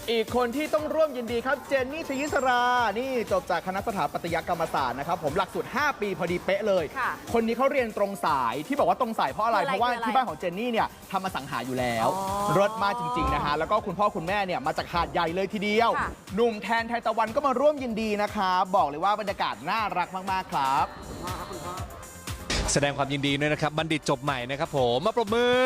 อีกคนที่ต้องร่วมยินดีครับเจนนี่ศรียิสรานี่จบจากคณะสถาปัตยกรรมศาสตร์นะครับผมหลักสูตร 5 ปีพอดีเป๊ะเลย คนนี้เขาเรียนตรงสายที่บอกว่าตรงสายเพราะอะไรเพราะว่าที่บ้านของเจนนี่เนี่ยทำอสังหาอยู่แล้วรถมากจริงๆนะฮะแล้วก็คุณพ่อคุณแม่เนี่ยมาจากหาดใหญ่เลยทีเดียวหนุ่มแทนไทยตะวันก็มาร่วมยินดีนะครับบอกเลยว่าบรรยากาศน่ารักมากๆครับแสดงความยินดีด้วยนะครับบัณฑิตจบใหม่นะครับผมมาปรบมือ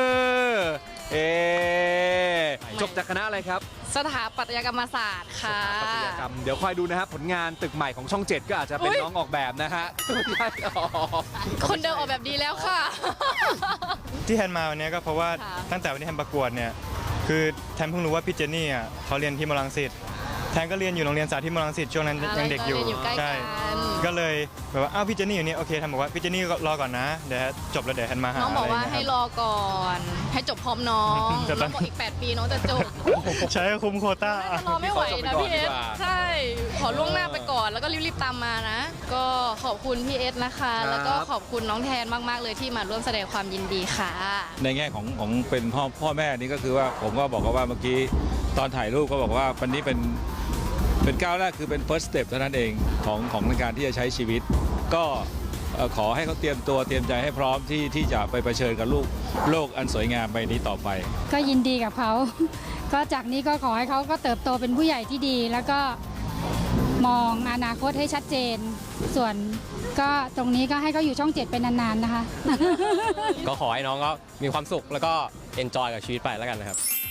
จบจากคณะอะไรครับสถาปัตยกรรมศาสตร์ค่ะสถาปัตยกรรมเดี๋ยวคอยดูนะครับผลงานตึกใหม่ของช่อง 7 ก็อาจจะเป็นน้องออกแบบนะฮะไม่ใช่อ๋อคนเดิมออกแบบดีแล้วค่ะที่แทนมาวันนี้ก็เพราะว่าค่ะตั้งแต่วันที่แทนประกวดเนี่ยคือแทนเพิ่งรู้ว่าพี่เจนนี่อ่ะเขาเรียนที่มรังสิตแทนก็เรียนอยู่โรงเรียนสาธิตมรังสิตช่วงนั้นยังเด็กอยู่ใกล้ใช่กันก็เลยแบบว่าอ้าวพี่เจนนี่อยู่นี่โอเคแทนบอกว่าพี่เจนนี่รอก่อนนะเดี๋ยวจบแล้วเดี๋ยวแทนมาหาน้องบอกว่าะไรให้เงี้ยรอก่อน ให้จบพร้อมน้องจะต้น้ออง งบอกอีก 8 ปีน้องจะจบใช้คุมโควต้าน่าจะรอไม่ไหวนะพี่เอสใช่ ขอล่วงหน้าไปก่อนแล้วก็รีบๆตามมานะ ก็ขอบคุณพี่เอสนะคะ แล้วก็ขอบคุณน้องแทนมากๆเลยที่มาร่วมแสดงความยินดีค่ะในแง่ของเป็นพ่อแม่นี่ก็คือว่าผมก็บอกว่าเมื่อกี้ตอนถ่ายรูปก็บอกว่าวันนี้เป็นก้าวแรกคือเป็น first step เท่านั้นเองของในการที่จะใช้ชีวิต ก็ขอให้เขาเตรียมตัวเตรียมใจให้พร้อมที่จะไปเผชิญกับโลกอันสวยงามใบนี้ต่อไปก็ยินดีกับเขา ก็จากนี้ก็ขอให้เขาก็เติบโตเป็นผู้ใหญ่ที่ดี แล้วก็มองอนาคตให้ชัดเจน ส่วนก็ตรงนี้ก็ให้เขาอยู่ช่อง 7 เป็นนานๆนะคะก็ขอให้น้องก็มีความสุขแล้วก็เอนจอยกับชีวิตไปแล้วกันนะครับ